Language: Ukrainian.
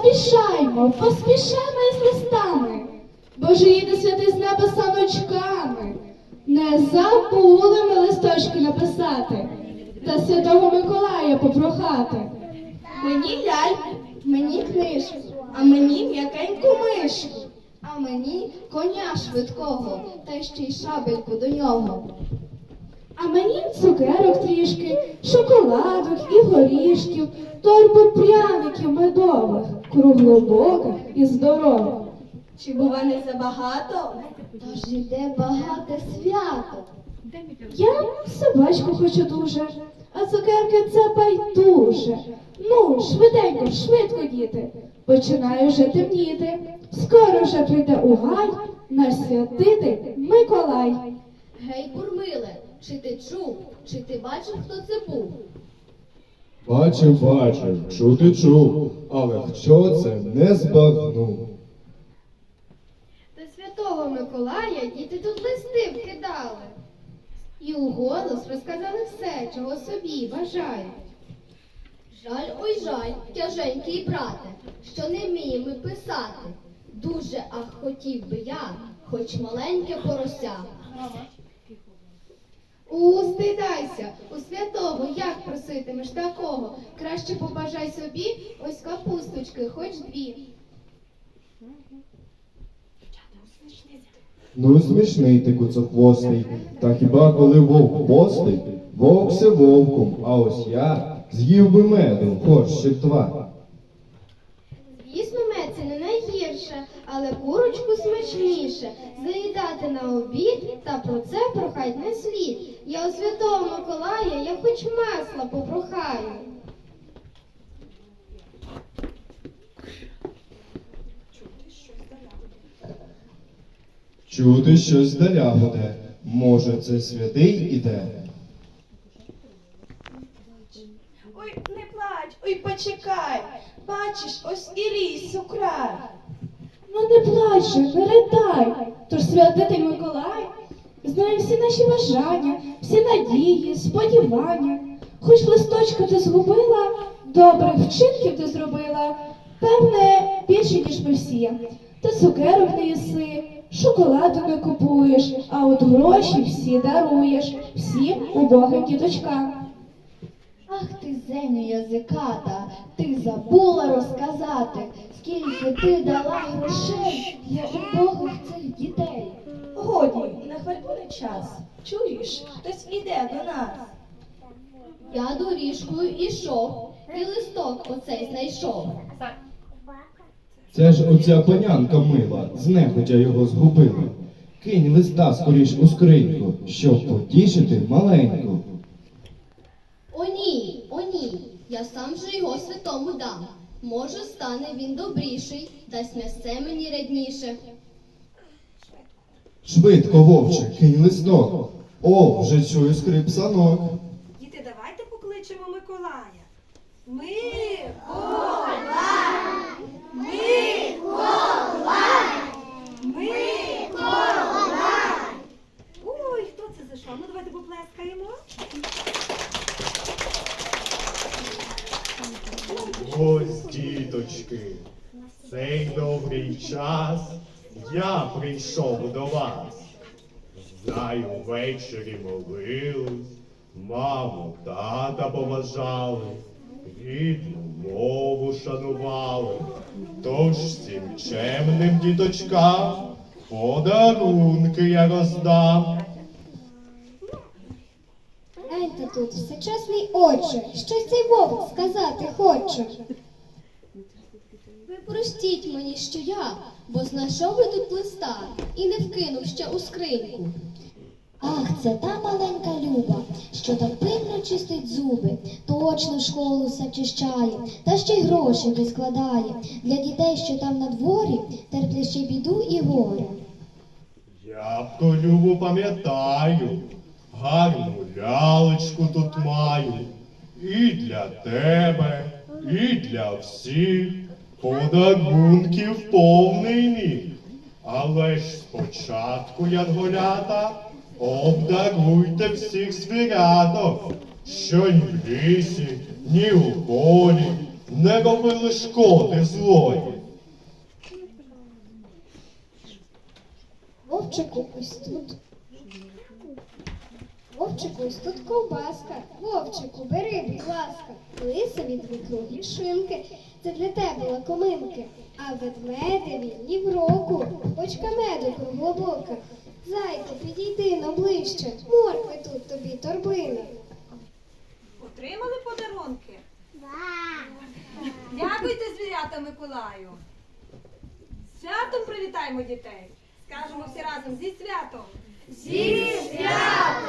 Поспішаймо, поспішаймо із листами, бо ж їде святий з неба саночками. Не забули ми листочки написати та святого Миколая попрохати. Мені ляльку, мені книжку, а мені м'якеньку мишку, а мені коня швидкого, та ще й шабельку до нього. А мені цукерок трішки, шоколадок і горішків, торбу пряників медових, круглобоких і здорових. Чи бува не забагато? Тож іде багате свято. Я собачку хочу дуже, а цукерки це байдуже. Ну, швиденько, швидко, діти, починає вже темніти. Скоро вже прийде у гай наш святитель Миколай. Гей, Бурмиле, чи ти чув, чи ти бачив, хто це був? Бачив, чути чув, але хто це не збагнув. До святого Миколая діти тут листи вкидали. І уголос розказали все, чого собі бажають. Жаль, ой жаль, тяженький брате, що не вміємо ми писати. Дуже, ах, хотів би я, хоч маленьке порося. Стидайся, у святого як проситимеш такого? Краще побажай собі ось капусточки, хоч дві. Ну смішний ти куцохвостий, та хіба коли вовк постий, вовк се вовком, а ось я з'їв би меду, хоч ще два. Звісно, мед це не найгірше, але курочку смачніше. Заїдати на обід, та про це прохать не слід. Я у святого Миколая, я хоч масла попрохаю. Чути щось здаля гуде, може це святий іде. Ой, не плач, ой, почекай. Бачиш, ось і ліс украй. Ну не плач же, не ридай, тож святитель Миколай знає всі наші бажання, всі надії, сподівання. Хоч листочка ти згубила, добрих вчинків ти зробила, певне, більше, ніж ми всі. Ти цукерок не їси, шоколаду не купуєш, а от гроші всі даруєш, всім убогим діточкам. Ах ти, зеню язиката, ти забула розказати, скільки ти дала грошей для убогих цих дітей. Годі, на хвальбу не час. Чуєш, хтось іде до нас. Я доріжкою ішов, і листок оцей знайшов. Це ж оця панянка мила, знехотя його згубила. Кинь листа скоріш у скриньку, щоб потішити маленьку. О ні, я сам же його святому дам. Може, стане він добріший, дасть м'ясце мені рядніше. Швидко, вовче, кинь листок. О, вже чую скрип санок. Діти, давайте покличемо Миколая. Миколай! Ой, хто це зайшов? Ну, давайте поплескаємо. Ось, діточки, цей добрий час я прийшов до вас. Знаю, ввечері молились, маму, тата поважали, рідну мову шанували. Тож всім чемним діточкам подарунки я роздам. Гляньте тут, всечесний отче, щось цей вовк сказати хоче. Ви простіть мені, що я, бо знайшов би тут листа і не вкинув ще у скриньку. Ах, це та маленька Люба, що так пильно чистить зуби, точно в школу все чищає, та ще й грошики складає. Для дітей, що там на дворі, терплять ще біду і горе. Я б ту Любу пам'ятаю, гарну лялечку тут маю. І для тебе, і для всіх подарунків повний міг. Але ж спочатку, янголята, обдаруйте всіх звіряток, що ні в лісі, ні у полі не робили шкоди злої. Вовчику, ось тут. Вовчику, ось тут ковбаска. Вовчику, бери, будь ласка. Лисові дві круглі шинки. Це для тебе лакоминки. А ведмедеві ні в року. Бочка меду круглобока. Зайку, підійди но ближче. Моркви тут тобі торбина. Отримали подарунки? Дякуйте, звірята Миколаю. З святом привітаємо дітей. Скажемо всі разом зі святом. Зі святом!